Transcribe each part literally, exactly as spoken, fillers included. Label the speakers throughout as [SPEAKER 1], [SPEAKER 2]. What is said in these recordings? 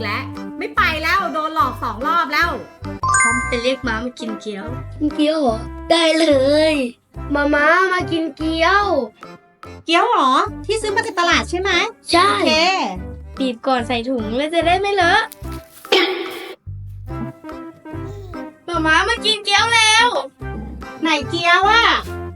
[SPEAKER 1] แล้วไม่ไปแล้วโดนหลอกสองรอบแล้ว
[SPEAKER 2] พร้อมไปเรียกม้ามากินเกี๊ยวกินเกี๊ยวเหรอได้เลย มาม้ามากินเกี๊ยว
[SPEAKER 1] เกี๊ยวหรอที่ซื้อมาจากตลาดใช่ไหม
[SPEAKER 2] ใช่
[SPEAKER 1] โอเค
[SPEAKER 2] บีบก่อนใส่ถุงเลยจะได้ไม่เลอะมาม้ามากินเกี๊ยวแล้ว
[SPEAKER 1] ไหนเกี๊ยวอะ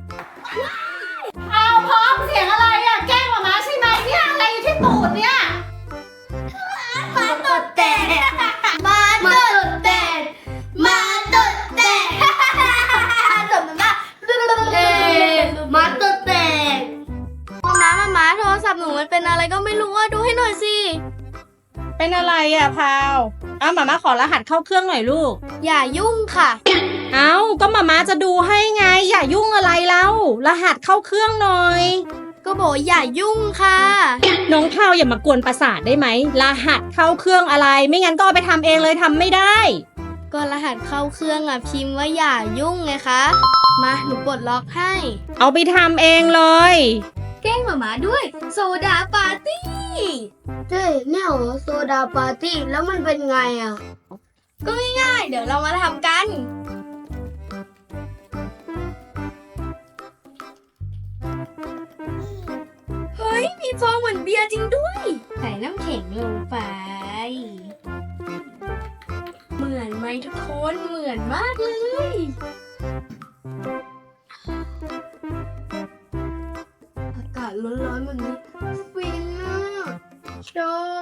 [SPEAKER 1] เอาพร้อมเสียงอะไรอะแกล้งหมาม้าใช่ไหมเนี่ยอะไรอยู่ที่ตูดเนี่ย
[SPEAKER 2] มาตดแตกมาตดแตกมาตดแตกตดมาเอ๊มาตดแตกมาม้ามาม้าโทรศัพท์หนูมันเป็นอะไรก็ไม่รู้อ่ะดูให้หน่อยสิ
[SPEAKER 1] เป็นอะไรอะพาวอ้าวหมาม้าขอรหัสเข้าเครื่องหน่อยลูก
[SPEAKER 2] อย่ายุ่งค่ะ
[SPEAKER 1] เอ้าก็หมาม้าจะดูให้ไงอย่ายุ่งอะไรแล้วรหัสเข้าเครื่องหน่อย
[SPEAKER 2] ก็บอกอย่ายุ่งค่ะ
[SPEAKER 1] น้องพาวอย่ามากวนประสาทได้ไหมรหัสเข้าเครื่องอะไรไม่งั้นก็เอาไปทำเองเลยทำไม่ได้
[SPEAKER 2] ก็รหัสเข้าเครื่องอ่ะพิมพ์ว่าอย่ายุ่งไงคะมาหนูปลดล็อกให้
[SPEAKER 1] เอาไปทำเองเลย
[SPEAKER 2] แกล้งหมาม้าด้วยโซดาปาร์ตี้เจ๊เนี่ยเหรอโซดาปาร์ตี้แล้วมันเป็นไงอ่ะก็ง่ายๆเดี๋ยวเรามาทำกันเฮ้ยมีฟองเหมือนเบียร์จริงด้วยใส่น้ำแข็งลงไปเหมือนไหมทุกคนเหมือนมากเลยอากาศร้อนๆแบบนี้ฟินมากชอบ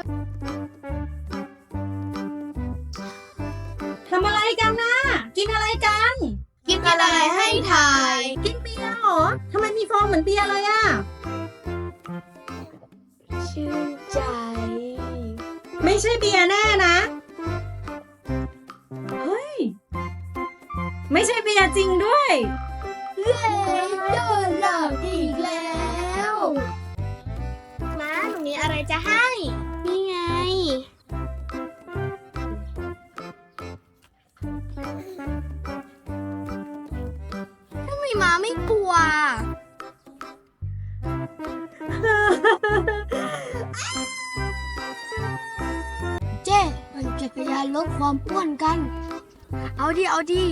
[SPEAKER 1] ทำอะไรกันนะกินอะไรกัน
[SPEAKER 2] กินอะไรให้ทาย
[SPEAKER 1] กินเบียร์เหรอทำไมมีฟองเหมือนเบียร์เลยอะ
[SPEAKER 2] ชื่นใจ
[SPEAKER 1] ไม่ใช่เบียร์แน่นะเฮ้ยไม่ใช่เบียร์จริงด้วย
[SPEAKER 2] เย้โดนหลอกอีกแล้วม้าหนูมีอะไรจะให้นี่ไงทำไมม้าไม่กลัวเจ๊ปั่นจักรยานลดความอ้วนกันเอาดิเอาดิ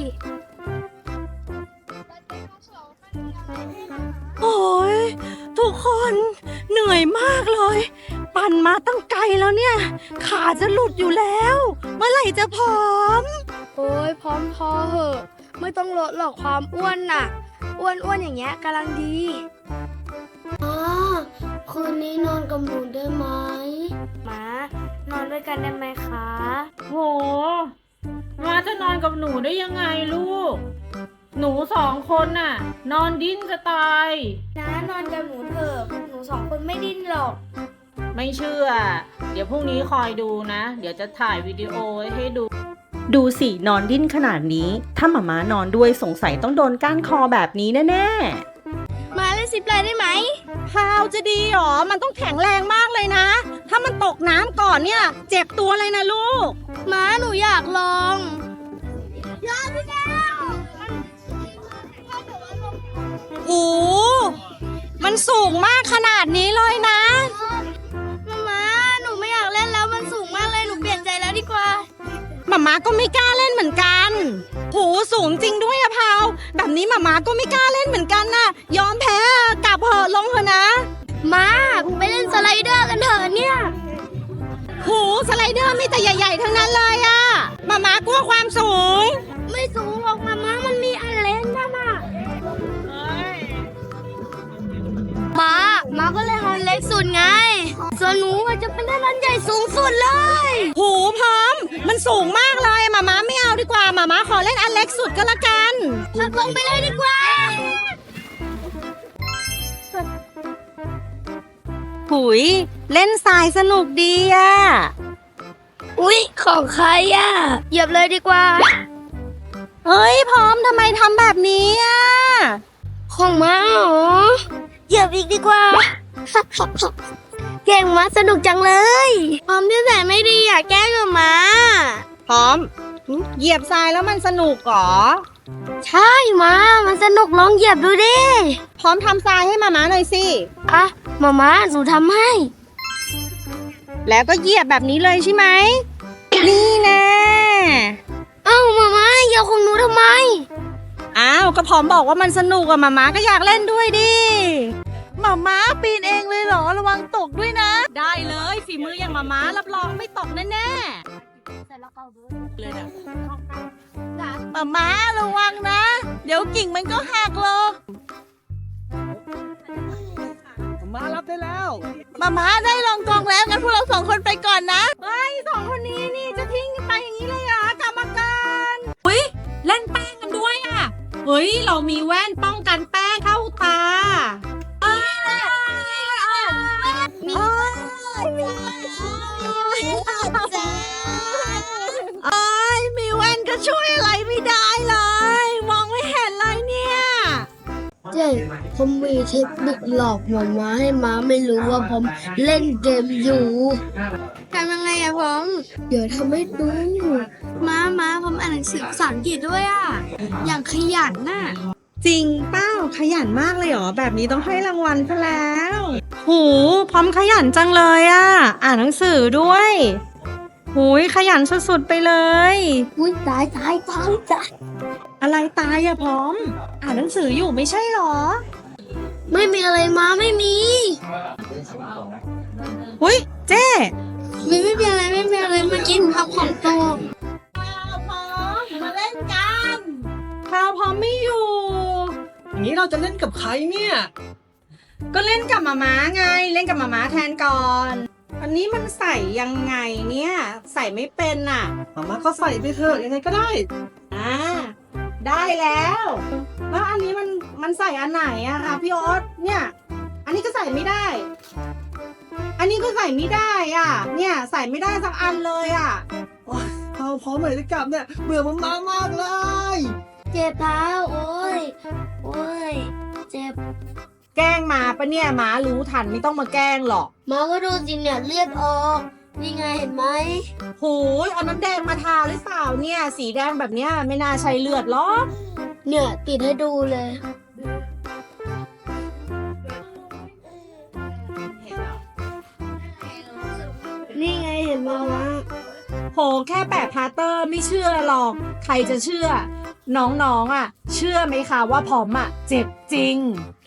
[SPEAKER 1] โอ้ยทุกคนเหนื่อยมากเลยปั่นมาตั้งไกลแล้วเนี่ยขาจะหลุดอยู่แล้วเมื่อไหร่จะผอม
[SPEAKER 2] โอ้ยพร้อมพอเหอะไม่ต้องลดหรอกความอ้วนน่ะอ้วนอ้วนอย่างเงี้ยกำลังดีอ๋อคืนนี้นอนกับหนูได้ไหมมานอนด้วยกันได้ไหมคะ
[SPEAKER 1] โหมาจะนอนกับหนูได้ยังไงลูกหนูสองคนน่ะนอนดิ้นจะตาย
[SPEAKER 2] นะนอนกับหนูเถอะหนูสองคนไม่ดิ้นหรอก
[SPEAKER 1] ไม่เชื่อเดี๋ยวพรุ่งนี้คอยดูนะเดี๋ยวจะถ่ายวิดีโอให้ดูดูสินอนดิ้นขนาดนี้ถ้าหม่ามานอนด้วยสงสัยต้องโดนก้านคอแบบนี้แน่
[SPEAKER 2] ๆมาเล่นซิปไลน์ได้ไหม
[SPEAKER 1] พาวจะดีหรอมันต้องแข็งแรงมากเลยนะถ้ามันตกน้ำก่อนเนี่ยเจ็บตัวเลยนะลูก
[SPEAKER 2] ม้าหนูอยากลองยอดพี่แก้ว
[SPEAKER 1] โอ้มันสูงมากขนาดนี้เลยนะ
[SPEAKER 2] มาม้าหนูไม่อยากเล่นแล้วมันสูงมากเลยหนูเปลี่ยนใจแล้วดีกว่า
[SPEAKER 1] หม่าม้าก็ไม่กล้าเล่นเหมือนกันโหสูงจริงด้วยอะพาวแบบนี้หม่าม้าก็ไม่กล้าเล่นเหมือนกันน่ะยอมแพ้กลับเหอะลงเถอะนะ
[SPEAKER 2] มาไปเล่นสไลเดอร์กันเถอะเนี่ย
[SPEAKER 1] โหสไลเดอร์มีแต่ใหญ่ๆทั้งนั้นเลยอะหม่าม้ากลัวความสูง
[SPEAKER 2] ไม่สูงหรอกมาม้ามันมีอันเล่นนะมาม้าม้าก็เลยอันเล็กสุดไงส่วนหนูจะเป็นอันใหญ่สูงสุดเลย
[SPEAKER 1] โหพร้อมมันสูงมากเลยหม่าม้าไม่เอาดีกว่าหม่าม้าขอเล่นอันเล็กสุดก็แล้วกัน
[SPEAKER 2] พักลงไปเลยดีกว่า
[SPEAKER 1] หุยเล่นทรายสนุกดีอ่ะ
[SPEAKER 2] อุ๊ยของใครอ่ะเหยียบเลยดีกว่า
[SPEAKER 1] เฮ้ยพร้อมทำไมทำแบบนี้อ่ะ
[SPEAKER 2] ของม้าเหรอเหยียบอีกดีกว่าเก่งม้าสนุกจังเลยพร้อมที่แสนไม่ดีอ่ะแกล้งกับม้า
[SPEAKER 1] พร้อมเหยียบทรายแล้วมันสนุกหรอ
[SPEAKER 2] ใช่ม้ามันสนุกลองเหยียบดูดิ
[SPEAKER 1] พร้อมทำทรายให้มาม้าหน่อยสิ
[SPEAKER 2] อ่ะมาม้าหนูทำให้
[SPEAKER 1] แล้วก็เหยียบแบบนี้เลยใช่ไหมนี่แน่
[SPEAKER 2] เอ้ามาม่าเกี่ยวของหนูทำไม
[SPEAKER 1] อ้าวก็พร้อมบอกว่ามันสนุกอะมาม้าก็อยากเล่นด้วยดิมาม้าปีนเองเลยเหรอระวังตกด้วยนะ ได้เลยฝีมืออย่างมาม้ารับรองไม่ตกแน่ๆเลยนะมาม้าระวังนะ เดี๋ยวกิ่งมันก็หักลง
[SPEAKER 3] มารับได้แล้ว
[SPEAKER 1] มาม้าได้ลองกองแล้วงั้นพวกเราสองคนไปก่อนนะเฮ้ยสองคนนี้นี่จะทิ้งไปอย่างนี้เลยเหรอกรรมการอุ้ยเล่นแป้งกันด้วยอ่ะเฮ้ยเรามีแว่นป้องกันแป้งเข้าตาเอ้ยมีเอ้ยมีแว่นก็ช่วยอะไรไม่ได้เลยมองไม่เห็นเลยเนี่ย
[SPEAKER 2] เจ๊ผมมีเทคนิคหลอกหมาม้าให้ม้าไม่รู้ว่าผมเล่นเกมอยู่ทำยังไงอะผมเดี๋ยวทำให้ดูม้าม้าผมอ่านหนังสือภาษาอังกฤษด้วยอะอย่างขยันน่ะ
[SPEAKER 1] จริงเป้าขยันมากเลยเหรอแบบนี้ต้องให้รางวัลซะแล้วหูพร้อมขยันจังเลยอ่ะอ่านหนังสือด้วยหูยขยันสุดๆไปเลย
[SPEAKER 2] อุ้ยตายตายตายตาย
[SPEAKER 1] อะไรตายอะพร้อม อ่านหนังสืออยู่ไม่ใช่เหรอ
[SPEAKER 2] ไม่มีอะไรม้าไม่มี
[SPEAKER 1] หุยเจ๊
[SPEAKER 2] ไม่ไม่มีอะไรไม่มีอะไรเมื่อกี้ทำของโต
[SPEAKER 1] พาวพร้อมมาเล่นกันพาวพร้อมไม่อยู่
[SPEAKER 3] อย่างนี้เราจะเล่นกับใครเนี่ย
[SPEAKER 1] ก็เล่นกับหมาม้าไงเล่นกับหมาม้าแทนก่อน อันนี้มันใส่ยังไงเนี่ย ใส่ไม่เป็นอ่ะ
[SPEAKER 3] มาม่าก็ใส่ไปเถอะยังไงก็ได้
[SPEAKER 1] อ่าได้แล้วแล้วอันนี้มันมันใส่อันไหนอะคะพี่โอ๊ตเนี่ย อันนี้ก็ใส่ไม่ได้ อันนี้ก็ใส่ไม่ได้อ่ะ เนี่ยใส่ไม่ได้สักอันเลยอ่ะ
[SPEAKER 3] เอาพร้อมเลยจะกลับเนี่ยเบื่อมันมากมากๆเลย
[SPEAKER 2] เจ็บเท้าโอ้ยโอ้ยเจ็บ
[SPEAKER 1] แกล้งมาปะเนี่ยหมารู้ทันไม่ต้องมาแกล้งหรอก
[SPEAKER 2] ม้าก็ดูจริงเนี่ยเลือดออกนี่ไงเห็นไหม
[SPEAKER 1] หูยเอาน้ำแดงมาทาหรือเปล่าเนี่ย สีแดงแบบเนี้ยไม่น่าใช่เลือดหรอก
[SPEAKER 2] เนี่ยติดให้ดูเลย นี่ไงเห็นไหมวะ
[SPEAKER 1] โหแค่แปะพลาสเตอร์ไม่เชื่อหรอก ใครจะเชื่อ น้องๆอ่ะ เชื่อไหมคะว่าพร้อมอ่ะ เจ็บจริง